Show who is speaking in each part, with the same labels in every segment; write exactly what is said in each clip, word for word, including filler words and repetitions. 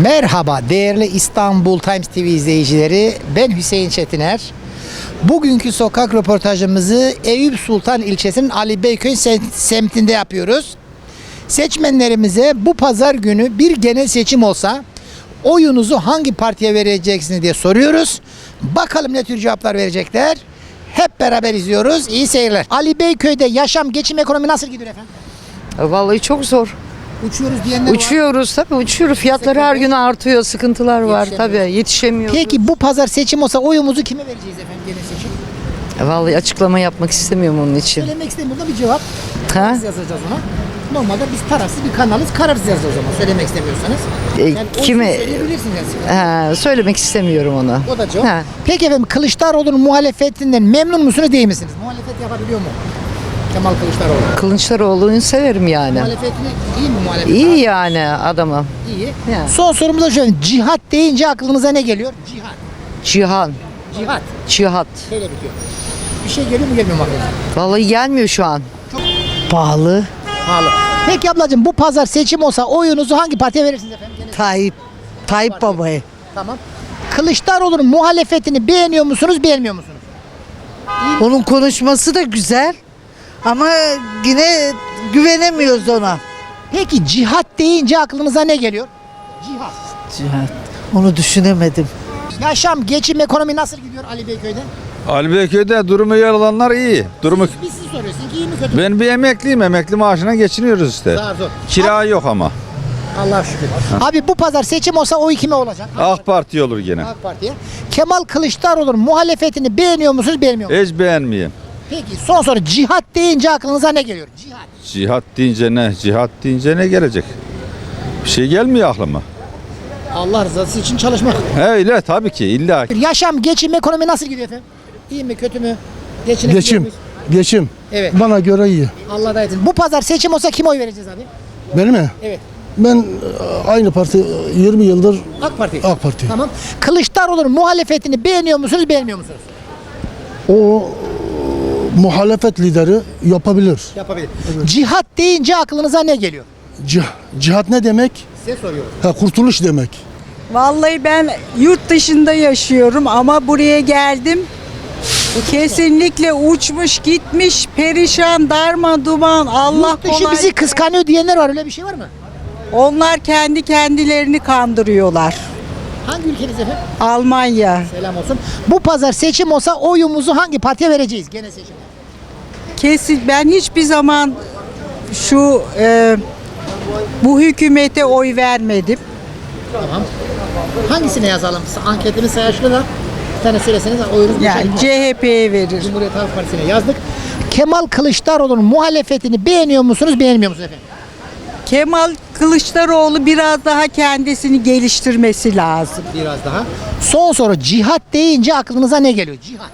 Speaker 1: Merhaba değerli İstanbul Times T V izleyicileri, ben Hüseyin Çetiner. Bugünkü sokak röportajımızı Eyüp Sultan ilçesinin Ali Beyköy semtinde yapıyoruz. Seçmenlerimize bu pazar günü bir genel seçim olsa oyunuzu hangi partiye vereceksiniz diye soruyoruz. Bakalım ne tür cevaplar verecekler. Hep beraber izliyoruz. İyi seyirler. Ali Beyköy'de yaşam, geçim, ekonomi nasıl gidiyor efendim?
Speaker 2: Vallahi çok zor.
Speaker 1: Uçuyoruz diyenler var.
Speaker 2: Uçuyoruz tabii uçuyoruz. Fiyatları her gün artıyor. Sıkıntılar var tabii. Yetişemiyoruz.
Speaker 1: Peki bu pazar seçim olsa oyumuzu kime vereceğiz efendim genel seçim?
Speaker 2: Vallahi açıklama yapmak istemiyorum onun için.
Speaker 1: Söylemek istemiyorum da bir cevap.
Speaker 2: Ha?
Speaker 1: Kararsız yazacağız ona. Normalde biz tarafsız bir kanalız. Kararsız yazacağız o zaman. Söylemek istemiyorsanız.
Speaker 2: E,
Speaker 1: Yani
Speaker 2: kime?
Speaker 1: Söyleyebilirsiniz yani.
Speaker 2: Ha, söylemek istemiyorum onu.
Speaker 1: O da cevap.
Speaker 2: Ha.
Speaker 1: Peki efendim Kılıçdaroğlu'nun muhalefetinden memnun musunuz değil misiniz? Muhalefet yapabiliyor mu? Kemal Kılıçdaroğlu.
Speaker 2: Kılıçdaroğlu'nu severim yani.
Speaker 1: Muhalefetini iyi mi muhalefet?
Speaker 2: İyi yani adamı.
Speaker 1: İyi.
Speaker 2: Yani.
Speaker 1: Son sorumuz da şöyle. Cihat deyince aklınıza ne geliyor? Cihat.
Speaker 2: Cihan.
Speaker 1: Cihat.
Speaker 2: Cihat.
Speaker 1: Böyle bitiyor. Bir şey geliyor mu gelmiyor mu aklınıza?
Speaker 2: Vallahi gelmiyor şu an.
Speaker 3: Pahalı.
Speaker 1: Pahalı. Peki ablacığım bu pazar seçim olsa oyunuzu hangi partiye verirsiniz efendim? Gene-
Speaker 3: Tayyip. Tayyip babayı.
Speaker 1: Tamam. Kılıçdaroğlu'nun muhalefetini beğeniyor musunuz, beğenmiyor musunuz?
Speaker 3: Onun konuşması da güzel. Ama yine güvenemiyoruz ona.
Speaker 1: Peki cihat deyince aklınıza ne geliyor? Cihat.
Speaker 3: Cihat. Onu düşünemedim.
Speaker 1: Yaşam, geçim, ekonomi nasıl gidiyor Ali Beyköy'de?
Speaker 4: Ali Beyköy'de durumu yer alanlar iyi. Durumu
Speaker 1: Biz siz soruyorsun ki iyi mi kötü mü?
Speaker 4: ben bir emekliyim. Emekli maaşına geçiniyoruz işte.
Speaker 1: Zar zor.
Speaker 4: Kira yok ama.
Speaker 1: Allah şükür. Abi bu pazar seçim olsa oy kime olacak?
Speaker 4: AK Parti olur gene.
Speaker 1: AK Parti'ye. Kemal Kılıçdaroğlu'nun muhalefetini beğeniyor musunuz, beğenmiyor musunuz?
Speaker 4: Hiç beğenmeyeyim.
Speaker 1: Peki son soru, cihat deyince aklınıza ne geliyor? Cihat.
Speaker 4: Cihat deyince ne? Cihat deyince ne gelecek? Bir şey gelmiyor aklıma.
Speaker 1: Allah rızası için çalışmak.
Speaker 4: Öyle tabii ki illa.
Speaker 1: Yaşam, geçim, ekonomi nasıl gidiyor efendim? İyi mi, kötü mü? Geçinebiliyor
Speaker 5: Geçim,
Speaker 1: muyuz?
Speaker 5: geçim.
Speaker 1: Evet.
Speaker 5: Bana göre iyi.
Speaker 1: Allah da etsin. Bu pazar seçim olsa kime oy vereceğiz abi?
Speaker 5: Benim mi?
Speaker 1: Evet.
Speaker 5: Ben e, aynı parti e, yirmi yıldır
Speaker 1: AK Parti.
Speaker 5: AK Parti.
Speaker 1: Tamam. Kılıçdaroğlu'nun muhalefetini beğeniyor musunuz, beğenmiyor musunuz?
Speaker 5: O e, muhalefet lideri yapabilir.
Speaker 1: Yapabilir. Cihat deyince aklınıza ne geliyor?
Speaker 5: Cih- cihat ne demek?
Speaker 1: Size soruyorum.
Speaker 5: Ha, kurtuluş demek.
Speaker 6: Vallahi ben yurt dışında yaşıyorum ama buraya geldim. Kesinlikle uçmuş gitmiş, perişan, darma duman, Allah
Speaker 1: Yurt dışı
Speaker 6: kolay.
Speaker 1: bizi kıskanıyor diyenler var. Öyle bir şey var mı?
Speaker 6: Onlar kendi kendilerini kandırıyorlar.
Speaker 1: Hangi ülkeniz efendim?
Speaker 6: Almanya.
Speaker 1: Selam olsun. Bu pazar seçim olsa oyumuzu hangi partiye vereceğiz? Gene seçim.
Speaker 6: Kesin ben hiçbir zaman şu e, bu hükümete oy vermedim.
Speaker 1: Tamam. Hangisine yazalım? Anketini sayaçlı da bir tane söyleseniz oyunuz
Speaker 6: Yani C H P'ye verir.
Speaker 1: Cumhuriyet Halk Partisi'ne yazdık. Kemal Kılıçdaroğlu'nun muhalefetini beğeniyor musunuz, beğenmiyor musunuz efendim?
Speaker 6: Kemal Kılıçdaroğlu biraz daha kendisini geliştirmesi lazım.
Speaker 1: Biraz daha. Son soru, cihat deyince aklınıza ne geliyor? Cihat.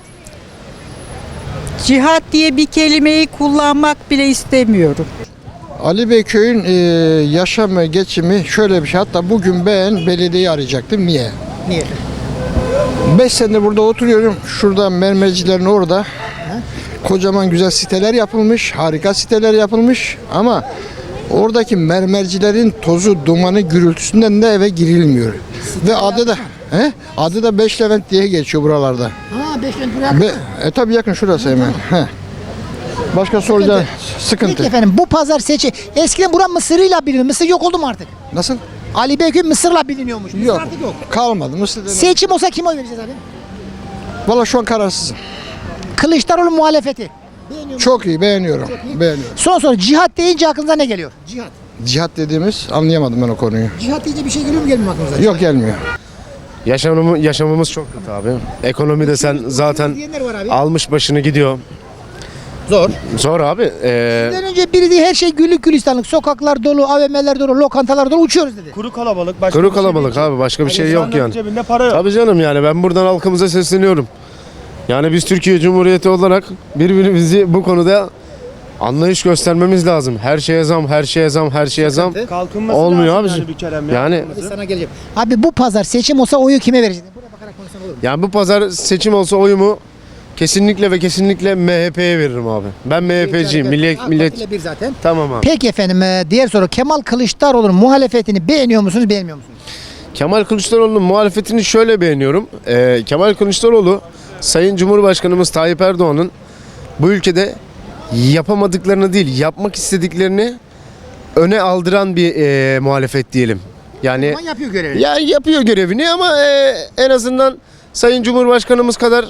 Speaker 6: Cihat diye bir kelimeyi kullanmak bile istemiyorum.
Speaker 7: Ali Beyköy'ün e, yaşam ve geçimi şöyle bir şey. Hatta bugün ben belediyeyi arayacaktım. Niye?
Speaker 1: Niye?
Speaker 7: beş senedir burada oturuyorum. Şurada mermercilerin orada. Kocaman güzel siteler yapılmış. Harika siteler yapılmış. Ama oradaki mermercilerin tozu, dumanı, gürültüsünden de eve girilmiyor. Ve adı da he? Adı da Beş Levent diye geçiyor buralarda.
Speaker 1: Ha, beş gün buraya.
Speaker 7: Be, e tabi yakın şurası hemen. He. Başka soracağım sıkıntı.
Speaker 1: Peki efendim bu pazar seçi. Eskiden bura Mısır'ıyla biliniyor. Mısır yok oldu mu artık?
Speaker 7: Nasıl?
Speaker 1: Ali Beyköy Mısır'la biliniyormuş. Mısır
Speaker 7: Yok.
Speaker 1: artık yok.
Speaker 7: Kalmadı. Mısır
Speaker 1: Seçim olsa kime oy vereceğiz abi?
Speaker 7: Valla şu an kararsızım.
Speaker 1: Kılıçdaroğlu muhalefeti. Beğeniyor musun?
Speaker 7: Çok iyi beğeniyorum. Beğeniyorum.
Speaker 1: Son soru, cihat deyince aklınıza ne geliyor? Cihat.
Speaker 7: Cihat dediğimiz anlayamadım ben o konuyu.
Speaker 1: Cihat deyince bir şey geliyor mu, gelmiyor mu aklınıza?
Speaker 7: Yok gelmiyor.
Speaker 8: Yaşamımız, yaşamımız çok kötü abi. Ekonomi de sen zaten
Speaker 1: Diyenler var abi.
Speaker 8: almış başını gidiyor.
Speaker 1: Zor.
Speaker 8: Zor abi. Ee,
Speaker 1: Bizden önce biri diye her şey güllük gülistanlık. Sokaklar dolu, A V M'ler dolu, lokantalar dolu, uçuyoruz dedi.
Speaker 9: Kuru kalabalık. Başka
Speaker 8: kuru
Speaker 9: bir şey
Speaker 8: kalabalık
Speaker 9: değil.
Speaker 8: abi. Başka bir şey
Speaker 9: Yani
Speaker 8: yok
Speaker 9: insanların
Speaker 8: yani.
Speaker 9: Cebinde para yok.
Speaker 8: Tabii canım yani ben buradan halkımıza sesleniyorum. Yani biz Türkiye Cumhuriyeti olarak birbirimizi bu konuda anlayış göstermemiz lazım. Her şeye zam, her şeye zam, her şeye zam.
Speaker 9: Kalkınması
Speaker 8: Olmuyor
Speaker 9: lazım
Speaker 8: abicim.
Speaker 9: yani bir kerem ya.
Speaker 8: Yani
Speaker 1: Hadi sana geleceğim. Abi bu pazar seçim olsa oyu kime vereceğiz? Buraya bakarak konuşsan olur mu?
Speaker 8: yani bu pazar seçim olsa oyumu kesinlikle ve kesinlikle M H P'ye veririm abi. Ben M H P'ciyim. Millet
Speaker 1: AK
Speaker 8: millet
Speaker 1: Parti ile bir zaten.
Speaker 8: tamam abi.
Speaker 1: Peki efendim, e, diğer soru, Kemal Kılıçdaroğlu'nun muhalefetini beğeniyor musunuz, beğenmiyor musunuz?
Speaker 8: Kemal Kılıçdaroğlu'nun muhalefetini şöyle beğeniyorum. Ee, Kemal Kılıçdaroğlu, Sayın Cumhurbaşkanımız Tayyip Erdoğan'ın bu ülkede yapamadıklarını değil, yapmak istediklerini öne aldıran bir e, muhalefet diyelim. Yani
Speaker 1: Ama yapıyor görevini.
Speaker 8: ya yapıyor görevini ama e, en azından Sayın Cumhurbaşkanımız kadar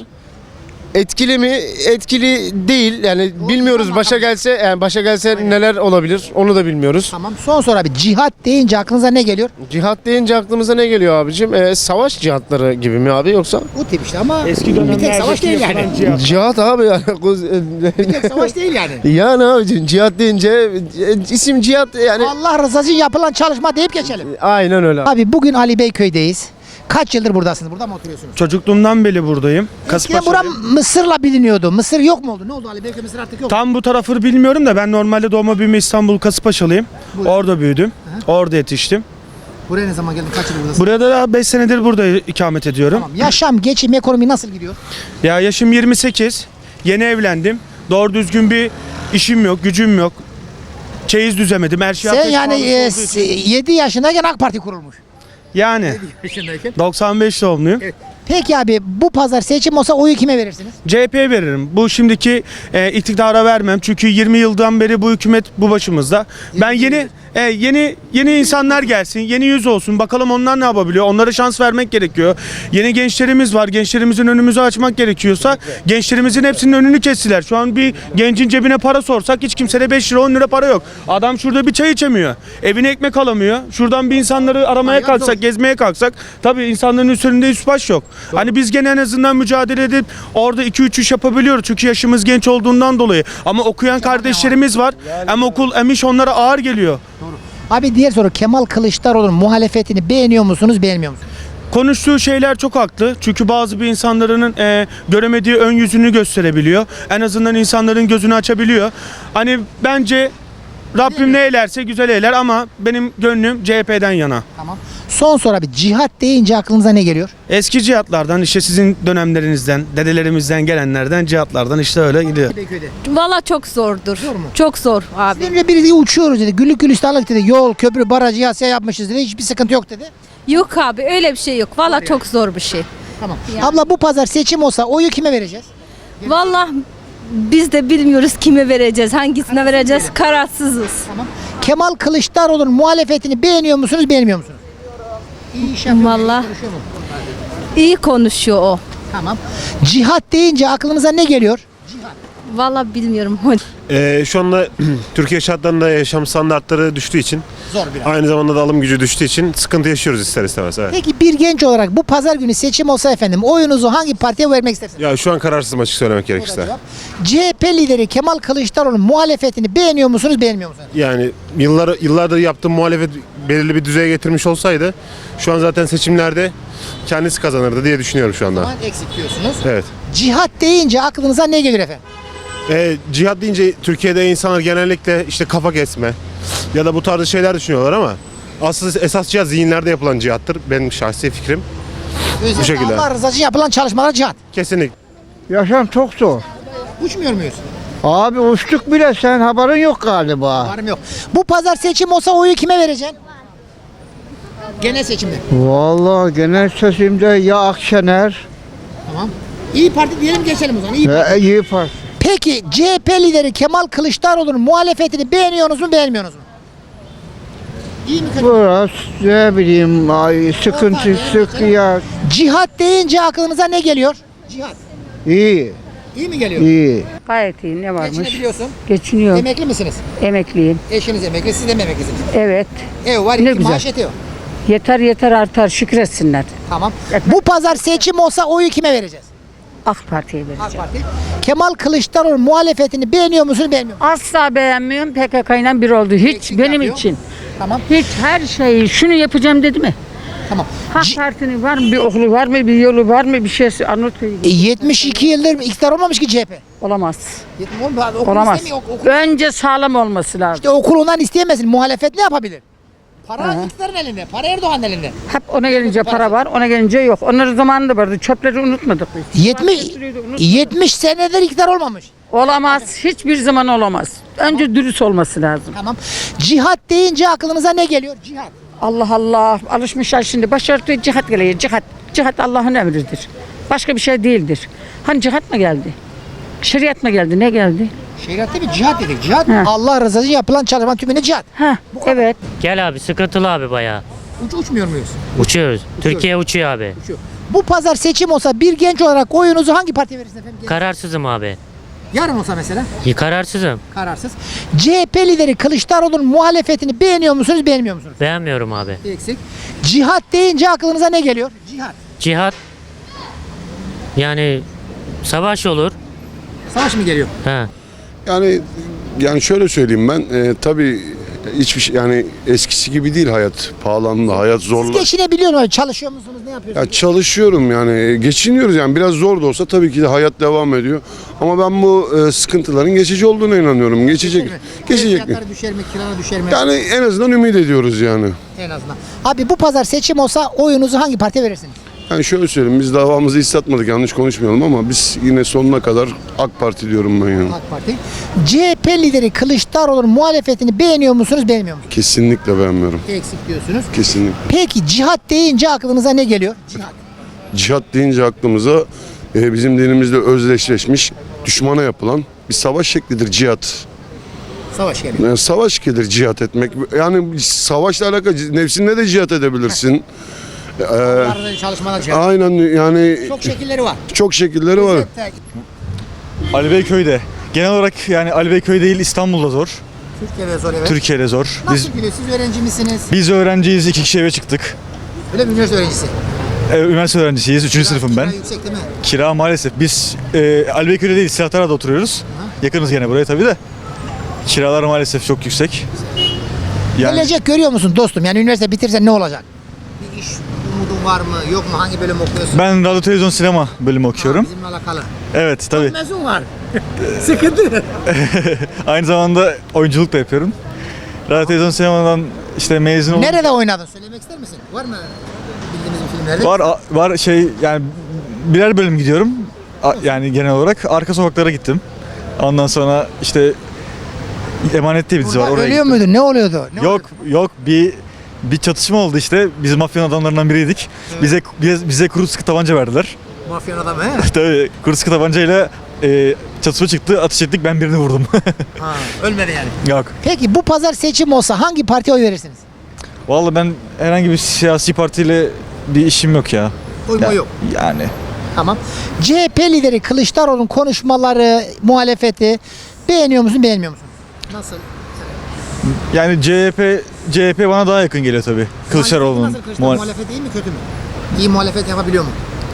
Speaker 8: etkili mi? Etkili değil. Yani bilmiyoruz.
Speaker 1: ama-
Speaker 8: Başa gelse, yani başa gelse neler olabilir? Onu da bilmiyoruz.
Speaker 1: Tamam. Son soru abi. Cihat deyince aklınıza ne geliyor?
Speaker 8: Cihat deyince aklımıza ne geliyor abicim? Ee, savaş cihatları gibi mi abi yoksa?
Speaker 1: O tip işte ama
Speaker 9: Eski
Speaker 1: bir tek savaş değil yani.
Speaker 8: Cihat abi yani.
Speaker 1: Bir tek savaş değil yani.
Speaker 8: Yani abicim cihat deyince e, isim cihat yani.
Speaker 1: Allah rızası için yapılan çalışma deyip geçelim.
Speaker 8: Aynen öyle.
Speaker 1: Abi bugün Ali Beyköy'deyiz. Kaç yıldır buradasınız? Burada mı oturuyorsunuz?
Speaker 9: Çocukluğumdan beri buradayım.
Speaker 1: Eskiden buram Mısır'la biliniyordu. Mısır yok mu oldu? Ne oldu Ali Beyköy Mısır artık yok.
Speaker 9: Tam bu tarafı bilmiyorum da ben normalde doğma büyüme İstanbul Kasımpaşalıyım. Orada büyüdüm. Orada yetiştim.
Speaker 1: Buraya ne zaman geldin? Kaç yıl buradasın?
Speaker 9: Burada da beş senedir burada ikamet ediyorum.
Speaker 1: Tamam. Yaşam, geçim, ekonomi nasıl gidiyor?
Speaker 9: Ya yaşım yirmi sekiz. Yeni evlendim. Doğru düzgün bir işim yok, gücüm yok. Çeyiz düzemedim. Her şey
Speaker 1: Sen
Speaker 9: ateş
Speaker 1: yani
Speaker 9: pahalısı olduğu için.
Speaker 1: yedi yaşındayken AK Parti kurulmuş.
Speaker 9: Yani
Speaker 1: Yaşındayken.
Speaker 9: doksan beş doğumluyum.
Speaker 1: Peki abi bu pazar seçim olsa oyu kime verirsiniz?
Speaker 9: C H P'ye veririm. Bu şimdiki e, iktidara vermem. Çünkü yirmi yıldan beri bu hükümet bu başımızda. Ben yeni e, yeni yeni insanlar gelsin, yeni yüz olsun. Bakalım onlar ne yapabiliyor? Onlara şans vermek gerekiyor. Yeni gençlerimiz var. Gençlerimizin önümüzü açmak gerekiyorsa gençlerimizin hepsinin önünü kestiler. Şu an bir gencin cebine para sorsak hiç kimsede beş lira on lira para yok. Adam şurada bir çay içemiyor. Evine ekmek alamıyor. Şuradan bir insanları aramaya
Speaker 1: Hayat
Speaker 9: kalksak,
Speaker 1: zor.
Speaker 9: gezmeye kalksak tabii insanların üstünde üst baş yok. Hani biz gene en azından mücadele edip orada iki üç iş yapabiliyoruz. Çünkü yaşımız genç olduğundan dolayı. Ama okuyan kardeşlerimiz var. Hem okul hem iş onlara ağır geliyor.
Speaker 1: Abi diğer soru Kemal Kılıçdaroğlu'nun muhalefetini beğeniyor musunuz, beğenmiyor musunuz?
Speaker 9: Konuştuğu şeyler çok haklı. Çünkü bazı bir insanların e, göremediği ön yüzünü gösterebiliyor. En azından insanların gözünü açabiliyor. Hani bence Rabbim ne eylerse güzel eyler ama benim gönlüm C H P'den yana.
Speaker 1: Tamam. Son soru abi. Cihat deyince aklınıza ne geliyor?
Speaker 9: Eski cihatlardan işte sizin dönemlerinizden, dedelerimizden gelenlerden cihatlardan işte öyle gidiyor.
Speaker 1: Beyköy'de.
Speaker 10: Valla çok zordur.
Speaker 1: Zor mu?
Speaker 10: Çok zor abi.
Speaker 1: Sizden önce biri dedi, uçuyoruz dedi. Güllük gülistanlık dedi. Yol, köprü, baraj, yasya yapmışız dedi. Hiçbir sıkıntı yok dedi.
Speaker 10: Yok abi öyle bir şey yok. Valla çok zor bir şey.
Speaker 1: Tamam. Abla bu pazar seçim olsa oyu kime vereceğiz?
Speaker 10: Valla biz de bilmiyoruz kime vereceğiz, hangisine vereceğiz. Kararsızız.
Speaker 1: Tamam. Kemal Kılıçdaroğlu'nun muhalefetini beğeniyor musunuz, beğenmiyor musunuz? İyi iş yapıyor.
Speaker 10: Vallahi.
Speaker 1: iyi konuşuyor mu?
Speaker 10: İyi konuşuyor o.
Speaker 1: Tamam. Cihat deyince aklınıza ne geliyor?
Speaker 10: Valla bilmiyorum.
Speaker 11: Ee, şu anda Türkiye şartlarında yaşam standartları düştüğü için
Speaker 1: Zor biraz.
Speaker 11: aynı zamanda da alım gücü düştüğü için sıkıntı yaşıyoruz ister istemez. Evet.
Speaker 1: Peki bir genç olarak bu pazar günü seçim olsa efendim oyunuzu hangi partiye vermek istersiniz?
Speaker 11: Ya şu an kararsızım açık söylemek
Speaker 1: O da
Speaker 11: gerekirse.
Speaker 1: cevap. C H P lideri Kemal Kılıçdaroğlu'nun muhalefetini beğeniyor musunuz, beğenmiyor musunuz?
Speaker 11: Yani yıllar yıllardır yaptığım muhalefet belirli bir düzeye getirmiş olsaydı şu an zaten seçimlerde kendisi kazanırdı diye düşünüyorum şu anda.
Speaker 1: Zaman eksik diyorsunuz.
Speaker 11: Evet.
Speaker 1: Cihat deyince aklınıza ne gelir efendim?
Speaker 11: E, cihat deyince Türkiye'de insanlar genellikle işte kafa kesme ya da bu tarz şeyler düşünüyorlar ama asıl esas cihat zihinlerde yapılan cihattır benim şahsi fikrim.
Speaker 1: Özellikle
Speaker 11: şekilde.
Speaker 1: Allah rızası için yapılan çalışmalar cihat.
Speaker 11: Kesinlikle.
Speaker 12: Yaşam çok zor.
Speaker 1: Uçmuyor muyuz?
Speaker 12: Abi uçtuk bile, sen haberin yok galiba.
Speaker 1: Varım yok. Bu pazar seçim olsa oyu kime vereceksin? Genel seçimde.
Speaker 12: Vallahi genel seçimde ya Akşener
Speaker 1: Tamam. İyi Parti diyelim geçelim o zaman. İyi Parti.
Speaker 12: ya İyi Parti.
Speaker 1: Peki C H P lideri Kemal Kılıçdaroğlu'nun muhalefetini beğeniyorsunuz mu, beğenmiyorsunuz mu? İyi mi kötü mü?
Speaker 12: Biraz ne bileyim ay, sıkıntı
Speaker 1: Orta,
Speaker 12: sık ya.
Speaker 1: Cihat deyince aklınıza ne geliyor? Cihat.
Speaker 12: İyi,
Speaker 1: İyi mi geliyor?
Speaker 12: iyi.
Speaker 2: Gayet iyi, ne varmış?
Speaker 1: Geçinebiliyorsun.
Speaker 2: Geçiniyor.
Speaker 1: Emekli misiniz?
Speaker 2: Emekliyim.
Speaker 1: Eşiniz emekli, siz de mi emeklisiniz?
Speaker 2: Evet.
Speaker 1: Ev var,
Speaker 2: Ne
Speaker 1: iki
Speaker 2: güzel.
Speaker 1: maaş yetiyor.
Speaker 2: Yeter yeter artar, şükretsinler.
Speaker 1: Tamam. Bu pazar seçim olsa oyu kime vereceğiz?
Speaker 2: AK Parti'ye
Speaker 1: AK
Speaker 2: vereceğim.
Speaker 1: Parti. Kemal Kılıçdaroğlu muhalefetini beğeniyor musunuz, beğenmiyor musunuz?
Speaker 2: Asla beğenmiyorum. P K K ile bir oldu. Hiç
Speaker 1: Eksik
Speaker 2: benim
Speaker 1: yapıyor.
Speaker 2: için.
Speaker 1: Tamam.
Speaker 2: Hiç her şeyi şunu yapacağım dedi mi?
Speaker 1: Tamam.
Speaker 2: AK
Speaker 1: C-
Speaker 2: Parti'nin var mı, bir okulu var mı, bir yolu var mı, bir şeysi anlatıyor.
Speaker 1: E, yetmiş iki yıldır iktidar olmamış ki C H P.
Speaker 2: Olamaz.
Speaker 1: Yetmiş- oğlum, okul
Speaker 2: Olamaz.
Speaker 1: istemiyor, ok- okul-
Speaker 2: Önce sağlam olması lazım.
Speaker 1: İşte okul ondan isteyemesin. Muhalefet ne yapabilir? Para iktidarın elinde. Para Erdoğan'ın elinde.
Speaker 2: Hep ona gelince para var, ona gelince yok. Onların zamanında vardı. Çöpleri unutmadık biz.
Speaker 1: yetmiş yetmiş senedir iktidar olmamış.
Speaker 2: Olamaz. Hiçbir zaman olamaz. Önce dürüst olması lazım.
Speaker 1: Tamam. Cihat deyince aklınıza ne geliyor? Cihat.
Speaker 6: Allah Allah. Alışmışlar şimdi. Başörtü cihat geliyor. Cihat. Cihat Allah'ın emridir. Başka bir şey değildir. Hani cihat mı geldi? Şeriat mı geldi? Ne geldi?
Speaker 1: Şeriat değil mi? Cihat dedik. Cihat
Speaker 6: Ha.
Speaker 1: Allah rızası için yapılan çalışmanın tümüne cihat.
Speaker 6: Ha, evet.
Speaker 13: Gel abi sıkıntılı abi bayağı.
Speaker 1: Uç, uçmuyor muyuz?
Speaker 13: Uçuyoruz. Türkiye uçuyor abi.
Speaker 1: Bu pazar seçim olsa bir genç olarak oyunuzu hangi partiye verirsiniz efendim? Genç-
Speaker 13: Kararsızım abi.
Speaker 1: Yarın olsa mesela.
Speaker 13: İyi, Kararsızım.
Speaker 1: Kararsız. C H P lideri Kılıçdaroğlu'nun muhalefetini beğeniyor musunuz, beğenmiyor musunuz?
Speaker 13: Beğenmiyorum abi.
Speaker 1: Eksik. Cihat deyince aklınıza ne geliyor? Cihat.
Speaker 13: Cihat. Yani savaş olur.
Speaker 1: Savaş mı geliyor?
Speaker 13: He.
Speaker 14: Yani yani şöyle söyleyeyim ben e, tabii hiçbir şey yani eskisi gibi değil hayat pahalandı hayat
Speaker 1: Siz
Speaker 14: zorla.
Speaker 1: geçinebiliyor musunuz? Çalışıyor musunuz? Ne yapıyorsunuz?
Speaker 14: Ya çalışıyorum yani geçiniyoruz yani biraz zor da olsa tabii ki de hayat devam ediyor. Ama ben bu e, sıkıntıların geçici olduğuna inanıyorum. Geçecek. Geçecek.
Speaker 1: Fiyatları düşer mi? Kiralar düşer mi?
Speaker 14: Yani en azından ümit ediyoruz yani.
Speaker 1: En azından. Abi bu pazar seçim olsa oyunuzu hangi partiye verirsiniz?
Speaker 14: Yani şöyle söyleyeyim biz davamızı hiç satmadık yanlış konuşmayalım ama biz yine sonuna kadar AK Parti diyorum ben yani.
Speaker 1: AK Parti. C H P lideri Kılıçdaroğlu'nun muhalefetini beğeniyor musunuz, beğenmiyor musunuz?
Speaker 14: Kesinlikle beğenmiyorum.
Speaker 1: Eksik diyorsunuz.
Speaker 14: Kesinlikle.
Speaker 1: Peki cihat deyince aklınıza ne geliyor? Cihat.
Speaker 14: Cihat deyince aklımıza e, bizim dinimizde özdeşleşmiş düşmana yapılan bir savaş şeklidir cihat.
Speaker 1: Savaş geliyor.
Speaker 14: Yani savaş gelir cihat etmek. Yani savaşla alakalı nefsinle de cihat edebilirsin. Ee,
Speaker 1: Arada çalışmalar cihat.
Speaker 14: aynen yani
Speaker 1: Çok şekilleri var.
Speaker 14: çok şekilleri var.
Speaker 9: Ali Beyköy'de. Genel olarak yani Ali Beyköy değil İstanbul'da zor.
Speaker 1: Türkiye'de zor evet.
Speaker 9: Türkiye'de zor. Biz
Speaker 1: Nasıl gidiyor? Siz öğrenci misiniz?
Speaker 9: biz öğrenciyiz. iki kişi eve çıktık.
Speaker 1: Öyle mi? Üniversite öğrencisi.
Speaker 9: Ee, üniversite öğrencisiyiz. Üçüncü sınıfım ben.
Speaker 1: Kira yüksek değil mi?
Speaker 9: Kira maalesef. Biz e, Ali Beyköy'de değil Silahtara'da oturuyoruz. Yakınız gene buraya tabii de. Kiralar maalesef çok yüksek. Yani
Speaker 1: Gelecek görüyor musun dostum? Yani üniversite bitirsen ne olacak? Bir iş umudun var mı? Yok mu? Hangi bölüm okuyorsun?
Speaker 9: ben radyo televizyon sinema bölümü okuyorum.
Speaker 1: Bizimle alakalı.
Speaker 9: Evet tabii.
Speaker 1: Mezun var. Sıkıntı.
Speaker 9: Aynı zamanda oyunculuk da yapıyorum. Radyo televizyon sinemadan işte mezun oldum.
Speaker 1: Nerede oynadın? Söylemek ister misin? Var mı bildiğimiz bir filmlerde?
Speaker 9: Var a- var şey yani birer bölüm gidiyorum. A- yani genel olarak arka sokaklara gittim. Ondan sonra işte Emanet diye bir dizi var.
Speaker 1: Burada
Speaker 9: Oraya
Speaker 1: ölüyor
Speaker 9: gittim.
Speaker 1: muydun? Ne oluyordu? Ne
Speaker 9: Yok yok bir bir çatışma oldu işte. Biz mafyanın adamlarından biriydik. Bize bize, bize kuru sıkı tabanca verdiler.
Speaker 1: Mafyanın adamı he?
Speaker 9: Tabii kuru sıkı tabancayla e, çatışma çıktı. Ateş ettik. Ben birini vurdum.
Speaker 1: Ha, ölmedi yani.
Speaker 9: Yok.
Speaker 1: Peki bu pazar seçim olsa hangi partiye oy verirsiniz?
Speaker 9: Vallahi ben herhangi bir siyasi partiyle bir işim yok ya.
Speaker 1: Oyma
Speaker 9: Ya-
Speaker 1: yok.
Speaker 9: Yani
Speaker 1: Tamam. C H P lideri Kılıçdaroğlu'nun konuşmaları, muhalefeti beğeniyor musun, beğenmiyor musun? Nasıl?
Speaker 9: yani C H P C H P bana daha yakın geliyor tabii. Kılıçdaroğlu'nun.
Speaker 1: Nasıl Kılıçdaroğlu
Speaker 9: muhal-
Speaker 1: muhalefet iyi mi kötü mü? İyi muhalefet yapabiliyor mu?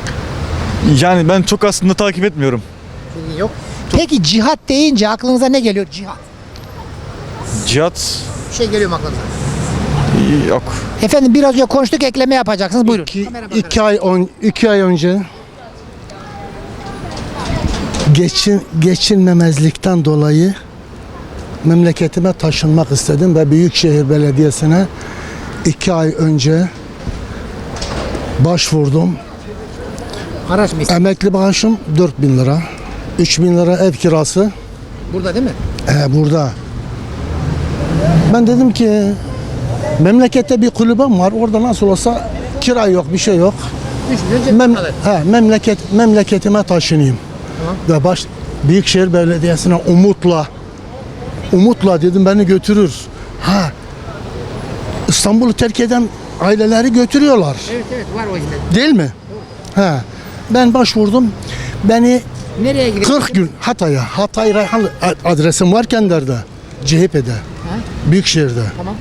Speaker 9: Yani ben çok aslında takip etmiyorum.
Speaker 1: Bilgin yok. Peki cihat deyince aklınıza ne geliyor? Cihat.
Speaker 9: Cihat
Speaker 1: Bir şey geliyor mu aklınıza?
Speaker 9: yok.
Speaker 1: Efendim biraz önce konuştuk, ekleme yapacaksınız. Buyurun.
Speaker 5: İki,
Speaker 1: Kamera bakarak.
Speaker 5: iki ay on, iki ay önce geçin geçinmemezlikten dolayı memleketime taşınmak istedim ve Büyükşehir Belediyesi'ne iki ay önce başvurdum.
Speaker 1: Araç mı istiyorsun?
Speaker 5: Emekli maaşım dört bin lira. üç bin lira ev kirası.
Speaker 1: Burada değil mi?
Speaker 5: Ee, burada. Ben dedim ki memlekette bir kulübem var. Orada nasıl olsa kira yok, bir şey yok.
Speaker 1: üç milyon cebine
Speaker 5: Mem
Speaker 1: kalır.
Speaker 5: he, memleket memleketime taşınayım. Ve baş Büyükşehir Belediyesi'ne umutla umutla dedim beni götürür. Ha. İstanbul'u terk eden aileleri götürüyorlar.
Speaker 1: Evet evet var o hizmet.
Speaker 5: Değil mi? Ha. Ben başvurdum. Beni
Speaker 1: Nereye gidiyorsun?
Speaker 5: kırk gün Hatay'a, Hatay Reyhanlı adresim var Kender'de, C H P'de, Büyükşehir'de.
Speaker 1: Tamam.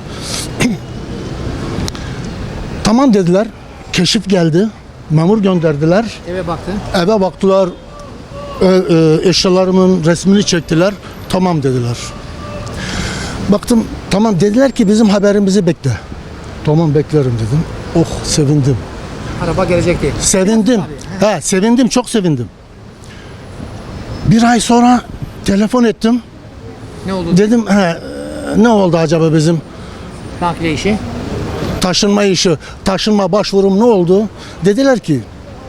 Speaker 5: Tamam dediler. Keşif geldi. Memur gönderdiler.
Speaker 1: Eve baktın.
Speaker 5: Eve baktılar. E, e, eşyalarımın resmini çektiler. Tamam dediler. Baktım tamam dediler ki bizim haberimizi bekle. Tamam beklerim dedim. Oh sevindim.
Speaker 1: Araba gelecek diye.
Speaker 5: Sevindim. He, sevindim çok sevindim. Bir ay sonra telefon ettim.
Speaker 1: Ne oldu?
Speaker 5: Dedim he, ne oldu acaba bizim
Speaker 1: Nakliye işi.
Speaker 5: taşınma işi, taşınma başvurum ne oldu? Dediler ki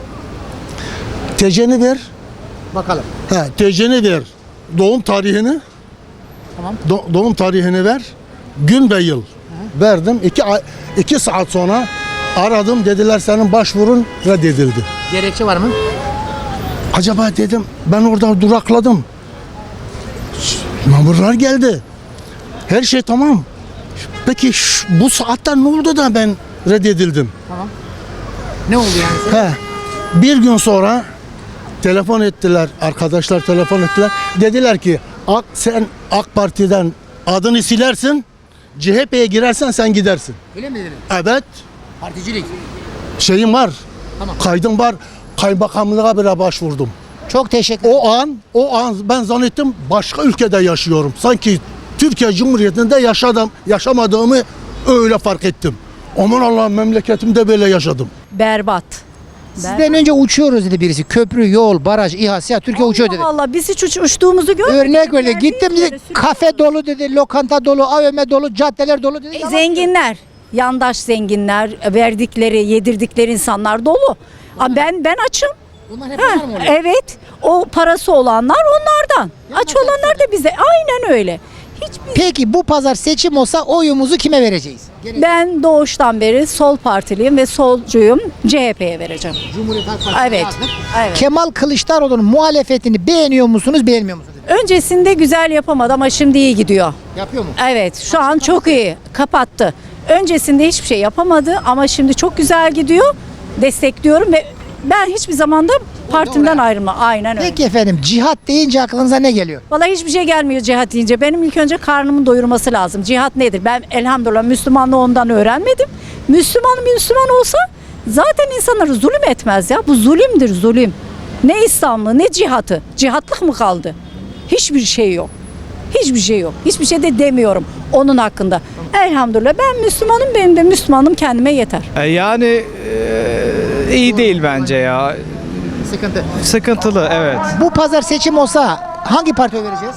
Speaker 5: T C'ni ver.
Speaker 1: Bakalım.
Speaker 5: He, T C'ni ver. Doğum tarihini.
Speaker 1: Tamam.
Speaker 5: do- doğum tarihini ver. Gün ve yıl. Verdim. İki ay, iki saat sonra aradım, dediler senin başvurun reddedildi.
Speaker 1: Gerekçe var mı?
Speaker 5: Acaba dedim, ben orada durakladım. Memurlar geldi. Her şey tamam. Peki şu- bu saatte ne oldu da ben reddedildim?
Speaker 1: Ne oldu yani?
Speaker 5: He. Bir gün sonra telefon ettiler, arkadaşlar telefon ettiler. Dediler ki Ak, sen AK Parti'den adını silersin, C H P'ye girersen sen gidersin.
Speaker 1: Öyle mi dedin?
Speaker 5: Evet,
Speaker 1: Particilik.
Speaker 5: şeyim var,
Speaker 1: Tamam.
Speaker 5: kaydım var, kaymakamlığa bile başvurdum.
Speaker 1: Çok teşekkür ederim.
Speaker 5: O an, o an ben zannettim başka ülkede yaşıyorum. Sanki Türkiye Cumhuriyeti'nde yaşadım, yaşamadığımı öyle fark ettim. Aman Allah'ım, memleketimde böyle yaşadım.
Speaker 2: Berbat.
Speaker 1: Sizden önce uçuyoruz dedi birisi. Köprü, yol, baraj, İHA, SİHA, Türkiye uçuyor dedi.
Speaker 2: Allah biz hiç uç, uçtuğumuzu görmedik.
Speaker 1: Örnek verdi. Gittim dedi. Kafe dolu dedi, lokanta dolu, A V M dolu, caddeler dolu dedi.
Speaker 2: E, zenginler, yandaş zenginler, verdikleri, yedirdikleri insanlar dolu. Ama ben ben açım.
Speaker 1: Bunlar hep
Speaker 2: Ha,
Speaker 1: var mı oluyor?
Speaker 2: evet. O parası olanlar onlardan. Aç olanlar da bize. Aynen öyle. Hiçbir
Speaker 1: Peki bu pazar seçim olsa oyumuzu kime vereceğiz?
Speaker 2: Ben doğuştan beri sol partiliyim ve solcuyum. C H P'ye vereceğim.
Speaker 1: Cumhuriyet Halk Partisi'ne
Speaker 2: Evet.
Speaker 1: yazdık.
Speaker 2: Evet.
Speaker 1: Kemal Kılıçdaroğlu'nun muhalefetini beğeniyor musunuz, beğenmiyor musunuz?
Speaker 2: Öncesinde güzel yapamadı ama şimdi iyi gidiyor.
Speaker 1: Yapıyor mu?
Speaker 2: Evet, şu an çok iyi. Kapattı. Öncesinde hiçbir şey yapamadı ama şimdi çok güzel gidiyor. Destekliyorum ve ben hiçbir zamanda partimden ayrılma. Aynen öyle.
Speaker 1: Peki efendim, cihat deyince aklınıza ne geliyor?
Speaker 2: Vallahi hiçbir şey gelmiyor cihat deyince. Benim ilk önce karnımın doyurması lazım. Cihat nedir? Ben elhamdülillah Müslümanlığı ondan öğrenmedim. Müslüman Müslüman olsa zaten insanları zulüm etmez ya. Bu zulümdür, zulüm. Ne İslamlı ne cihatı. Cihatlık mı kaldı? Hiçbir şey yok. Hiçbir şey yok. Hiçbir şey de demiyorum onun hakkında. Elhamdülillah ben Müslümanım, benim de Müslümanım kendime yeter.
Speaker 15: Yani iyi değil bence ya.
Speaker 1: Sıkıntı.
Speaker 15: Sıkıntılı, evet.
Speaker 1: Bu pazar seçim olsa hangi partiye vereceğiz?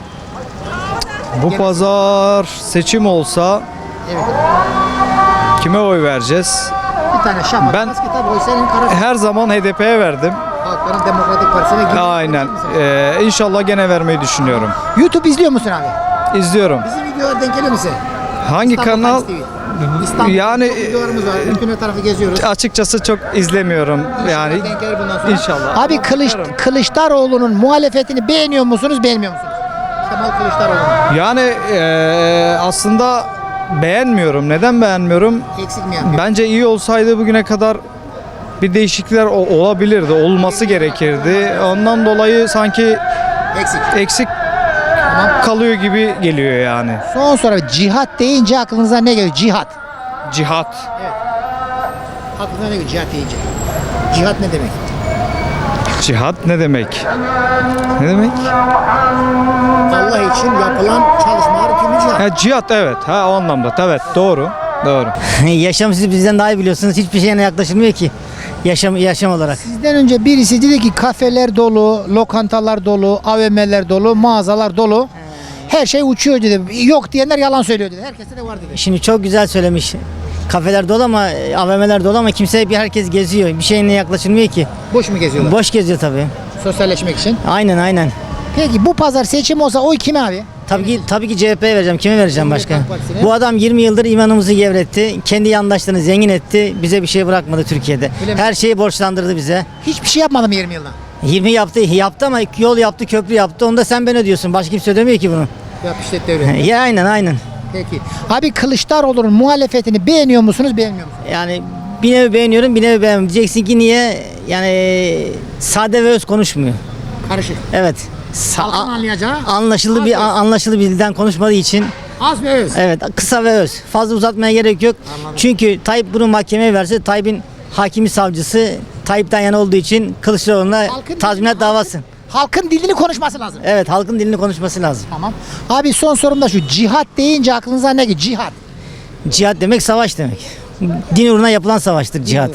Speaker 15: Bu pazar seçim olsa
Speaker 1: Evet.
Speaker 15: kime oy vereceğiz?
Speaker 1: Bir tane şah.
Speaker 15: Ben-
Speaker 1: Maske tabii oy senin karar.
Speaker 15: Her zaman H D P'ye verdim.
Speaker 1: Halkların Demokratik Partisi'ne gidiyor.
Speaker 15: Aynen. Ee, inşallah gene vermeyi düşünüyorum.
Speaker 1: YouTube izliyor musun abi?
Speaker 15: İzliyorum.
Speaker 1: Bizim videolar denk geliyor mu size?
Speaker 15: Hangi
Speaker 1: İstanbul
Speaker 15: kanal?
Speaker 1: Times T V. İstanbul
Speaker 15: Yani
Speaker 1: çok videolarımız var. Bütün her tarafı geziyoruz.
Speaker 15: açıkçası çok izlemiyorum. Yani
Speaker 1: İnşallah denk gelir bundan sonra.
Speaker 15: inşallah.
Speaker 1: Abi Kılıç, Kılıçdaroğlu'nun muhalefetini beğeniyor musunuz, beğenmiyor musunuz? Kemal Kılıçdaroğlu.
Speaker 15: Yani ee, aslında beğenmiyorum. Neden beğenmiyorum?
Speaker 1: Eksik mi yapıyor?
Speaker 15: Bence iyi olsaydı bugüne kadar bir değişiklikler o- olabilirdi, olması gerekirdi. Ondan dolayı sanki
Speaker 1: Eksik.
Speaker 15: eksik kalıyor gibi geliyor yani.
Speaker 1: Son soru. Cihat deyince aklınıza ne geliyor? Cihat.
Speaker 15: Cihat.
Speaker 1: Aklınıza ne geliyor cihat deyince? Cihat ne demek?
Speaker 15: Cihat ne demek? Ne demek?
Speaker 1: Allah için yapılan çalışmalar kimi cihat?
Speaker 15: Ha, cihat evet. Ha o anlamda. Evet doğru. Doğru.
Speaker 16: Yaşam siz bizden daha iyi biliyorsunuz. Hiçbir şeyine yaklaşılmıyor ki. Yaşam yaşam olarak.
Speaker 1: Sizden önce birisi dedi ki kafeler dolu, lokantalar dolu, A V M'ler dolu, mağazalar dolu. Her şey uçuyor dedi. Yok diyenler yalan söylüyor dedi. Herkeste de var dedi.
Speaker 16: Şimdi çok güzel söylemiş. Kafeler dolu ama A V M'ler dolu ama kimse bir herkes geziyor. Bir şeyine yaklaşılmıyor ki.
Speaker 1: Boş mu geziyorlar?
Speaker 16: Boş geziyor tabii.
Speaker 1: Sosyalleşmek için.
Speaker 16: Aynen aynen.
Speaker 1: Peki bu pazar seçim olsa oy kime abi?
Speaker 16: Tabii ki tabii ki C H P'ye vereceğim. Kime vereceğim başka?
Speaker 1: Halk Partisi'ne.
Speaker 16: Bu adam yirmi yıldır imanımızı gevretti. Kendi yandaşlarını zengin etti. Bize bir şey bırakmadı Türkiye'de.
Speaker 1: Öyle mi?
Speaker 16: Her şeyi borçlandırdı bize.
Speaker 1: Hiçbir şey yapmadım yirmi yılda.
Speaker 16: yirmi yaptı, yaptı ama yol yaptı, köprü yaptı. Onu da sen ben ödüyorsun. Başka kimse ödemiyor ki bunu.
Speaker 1: Yap işlet devre.
Speaker 16: Ya aynen aynen.
Speaker 1: Peki. Abi Kılıçdaroğlu'nun muhalefetini beğeniyor musunuz, beğenmiyor musunuz?
Speaker 16: Yani bir nevi beğeniyorum, bir nevi beğenmiyorum. Diyeceksin ki niye? Yani sade ve öz konuşmuyor.
Speaker 1: Karışık.
Speaker 16: Evet. Sa-
Speaker 1: Halkın anlayacağı.
Speaker 16: anlaşılır
Speaker 1: az
Speaker 16: bir
Speaker 1: öz.
Speaker 16: anlaşılır bir dilden konuşmadığı için
Speaker 1: Az ve öz.
Speaker 16: evet kısa ve öz. Fazla uzatmaya gerek yok. Çünkü Tayyip bunu mahkemeye verse Tayyip'in hakimi savcısı Tayyip'ten yana olduğu için Kılıçdaroğlu'na
Speaker 1: Halkın-
Speaker 16: tazminat davası.
Speaker 1: Halkın dilini konuşması lazım.
Speaker 16: Evet halkın dilini konuşması lazım.
Speaker 1: Tamam. Abi son sorum da şu. Cihat deyince aklınıza ne geliyor? Cihat.
Speaker 16: Cihat demek savaş demek. Din uğruna yapılan savaştır cihat.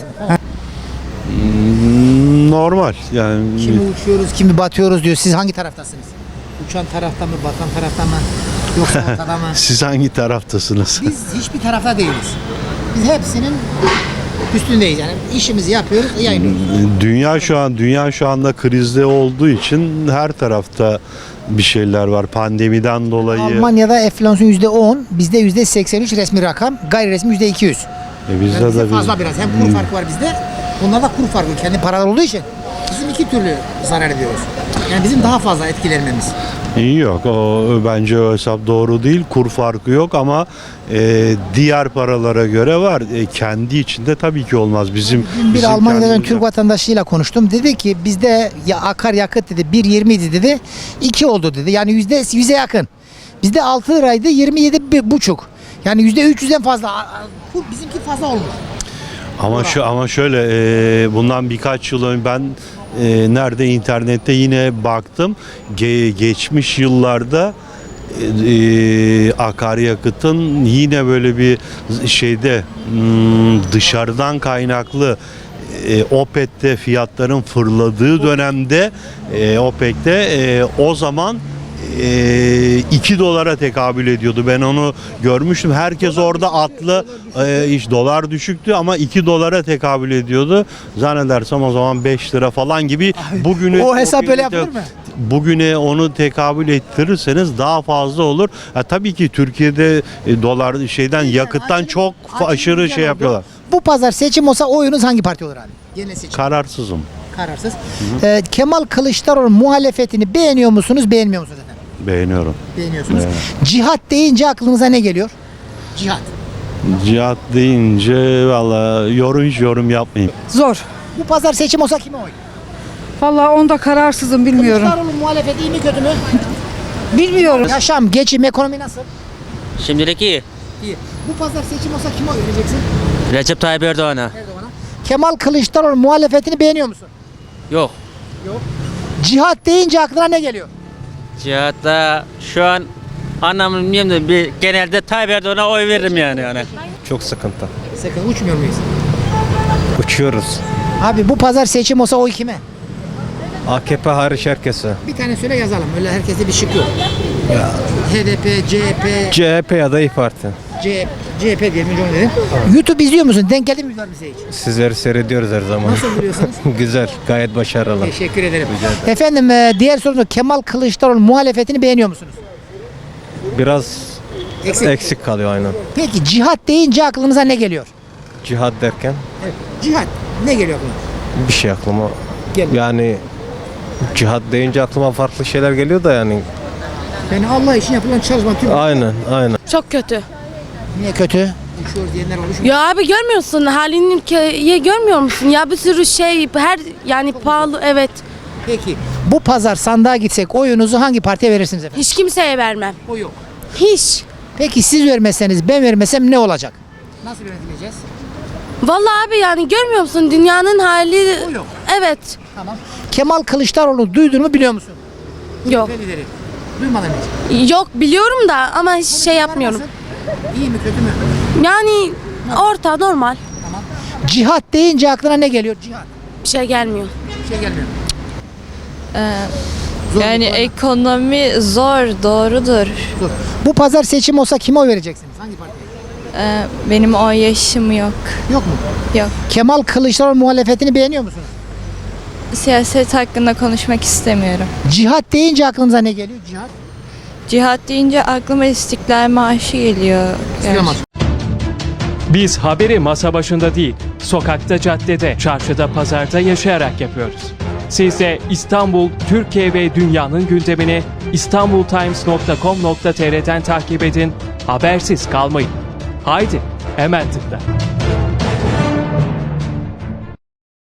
Speaker 4: Normal yani.
Speaker 1: Kimi uçuyoruz, kimi batıyoruz diyor. Siz hangi taraftasınız? Uçan tarafta mı, batan tarafta mı? Yoksa ortada mı?
Speaker 11: Siz hangi taraftasınız?
Speaker 1: Biz hiçbir tarafta değiliz. Biz hepsinin Üstündeyiz yani. İşimizi yapıyoruz, yayınlıyoruz.
Speaker 17: Dünya şu an dünya şu anda krizde olduğu için her tarafta bir şeyler var. Pandemiden dolayı.
Speaker 1: Almanya'da enflasyon yüzde on, bizde yüzde seksen üç resmi rakam, gayri resmi yüzde iki yüz.
Speaker 17: E bizde
Speaker 1: Yani bizde
Speaker 17: de biz-
Speaker 1: fazla biraz. Hem kur farkı var bizde. Onlarda kur farkı kendi paralar olduğu için bizim iki türlü zarar ediyoruz. Yani bizim daha fazla etkilenmemiz.
Speaker 17: İyi yok. O bence o hesap doğru değil. Kur farkı yok ama e, diğer paralara göre var. E, kendi içinde tabii ki olmaz. Bizim
Speaker 1: Bir
Speaker 17: bizim
Speaker 1: Almanya'dan
Speaker 17: kendimizde-
Speaker 1: Türk vatandaşıyla konuştum. Dedi ki bizde ya akaryakıt dedi bir yirmi idi dedi. iki oldu dedi. Yani yüzde yüze yakın. Bizde altı liraydı yirmi yedi buçuk. Yani yüzde üç yüzden fazla. A- a- Kur bizimki fazla olmuş.
Speaker 17: Ama şu ama şöyle e, bundan birkaç yıl önce ben e, nerede internette yine baktım. Ge- geçmiş yıllarda e, e, akaryakıtın yine böyle bir şeyde hmm, dışarıdan kaynaklı e, OPEC'te fiyatların fırladığı dönemde e, OPEC'te e, o zaman e, iki dolara tekabül ediyordu. Ben onu görmüştüm. Herkes orada atlı e, iş dolar düşüktü ama iki dolara tekabül ediyordu. Zannedersem o zaman beş lira falan gibi. Bugünü
Speaker 1: O hesap
Speaker 17: bugünü
Speaker 1: öyle
Speaker 17: de-
Speaker 1: yapılır mı?
Speaker 17: Bugüne onu tekabül ettirirseniz daha fazla olur. Ha, tabii ki Türkiye'de e, dolar şeyden yakıttan çok fa- aşırı şey yapıyorlar.
Speaker 1: Bu pazar seçim olsa oyunuz hangi parti olur abi? Genel seçim.
Speaker 17: Kararsızım.
Speaker 1: Kararsız. Ee, Kemal Kılıçdaroğlu muhalefetini beğeniyor musunuz, beğenmiyor musunuz efendim?
Speaker 17: Beğeniyorum.
Speaker 1: Beğeniyorsunuz.
Speaker 17: Evet.
Speaker 1: Cihat deyince aklınıza ne geliyor? Cihat.
Speaker 17: Cihat deyince valla yorum hiç yorum yapmayayım.
Speaker 6: Zor.
Speaker 1: Bu pazar seçim olsa kime oy?
Speaker 6: Vallahi onda kararsızım bilmiyorum.
Speaker 1: Kılıçdaroğlu muhalefeti iyi mi kötü mü?
Speaker 6: Bilmiyorum.
Speaker 1: Yaşam, geçim, ekonomi nasıl?
Speaker 13: Şimdilik iyi.
Speaker 1: İyi. Bu pazar seçim olsa kime oy vereceksin?
Speaker 13: Recep Tayyip Erdoğan'a.
Speaker 1: Erdoğan'a. Kemal Kılıçdaroğlu muhalefetini beğeniyor musun?
Speaker 13: Yok.
Speaker 1: Yok. Cihat deyince aklına ne geliyor?
Speaker 13: Cihatta şu an anlamını bilmiyorum da bir, genelde Tayyip Erdoğan'a oy veririm yani. yani.
Speaker 15: Çok sıkıntı.
Speaker 1: Sakın uçmuyor muyuz?
Speaker 15: Uçuyoruz.
Speaker 1: Abi bu pazar seçim olsa oy kime?
Speaker 15: A K P hariç herkese.
Speaker 1: Bir tane söyle yazalım. Öyle herkeste bir şık yok. H D P, C H P,
Speaker 15: C H P ya da İYİ Parti.
Speaker 1: C H P diyelim önce onu dedim. YouTube izliyor musun? Denk geldi mi bize hiç?
Speaker 15: Sizleri seyrediyoruz her zaman.
Speaker 1: Nasıl buluyorsunuz?
Speaker 15: Güzel, gayet başarılı.
Speaker 1: Teşekkür ederim. Efendim e, diğer sorumuz Kemal Kılıçdaroğlu muhalefetini beğeniyor musunuz?
Speaker 15: Biraz
Speaker 1: Eksik.
Speaker 15: eksik kalıyor aynen.
Speaker 1: Peki cihat deyince aklınıza ne geliyor?
Speaker 15: Cihad derken
Speaker 1: Evet. Cihat ne geliyor aklına?
Speaker 15: bir şey aklıma.
Speaker 1: Gelmiyor.
Speaker 15: Yani cihad deyince aklıma farklı şeyler geliyor da yani.
Speaker 1: Yani Allah için yapılan çalışma tüm.
Speaker 15: Aynen, aynen.
Speaker 10: Çok kötü.
Speaker 1: Niye kötü? Uçuyoruz diyenler olmuş mu?
Speaker 10: Ya abi görmüyorsun halini ülkeyi görmüyor musun? Ya bir sürü şey her yani pahalı evet.
Speaker 1: Peki bu pazar sandığa gitsek oyunuzu hangi partiye verirsiniz efendim?
Speaker 10: Hiç kimseye vermem.
Speaker 1: O yok.
Speaker 10: Hiç.
Speaker 1: Peki siz vermezseniz ben vermesem ne olacak? Nasıl yönetileceğiz?
Speaker 10: Vallahi abi yani görmüyor musun dünyanın hali?
Speaker 1: O yok.
Speaker 10: Evet.
Speaker 1: Tamam. Kemal Kılıçdaroğlu duydun mu biliyor musun?
Speaker 10: Yok.
Speaker 1: Lideri. Duymadın hiç.
Speaker 10: Yok biliyorum da ama hiç şey yapmıyorum.
Speaker 1: Nasıl? İyi mi kötü mü?
Speaker 10: Yani orta normal.
Speaker 1: Cihat deyince aklına ne geliyor? Cihat.
Speaker 10: Bir şey gelmiyor.
Speaker 1: Bir şey gelmiyor.
Speaker 10: Yani ekonomi zor doğrudur.
Speaker 1: Dur. Bu pazar seçim olsa kime oy vereceksiniz? Hangi partiye?
Speaker 10: Benim o yaşım yok.
Speaker 1: Yok mu?
Speaker 10: Yok.
Speaker 1: Kemal Kılıçdaroğlu muhalefetini beğeniyor musunuz?
Speaker 10: Siyaset hakkında konuşmak istemiyorum.
Speaker 1: Cihat deyince aklınıza ne geliyor? Cihat.
Speaker 10: Cihat deyince aklıma İstiklal Marşı geliyor.
Speaker 1: İslamaz.
Speaker 18: Biz haberi masa başında değil, sokakta, caddede, çarşıda, pazarda yaşayarak yapıyoruz. Siz de İstanbul, Türkiye ve dünyanın gündemini istanbultimes nokta com nokta tr'den takip edin, habersiz kalmayın. Haydi, hemen tıkla.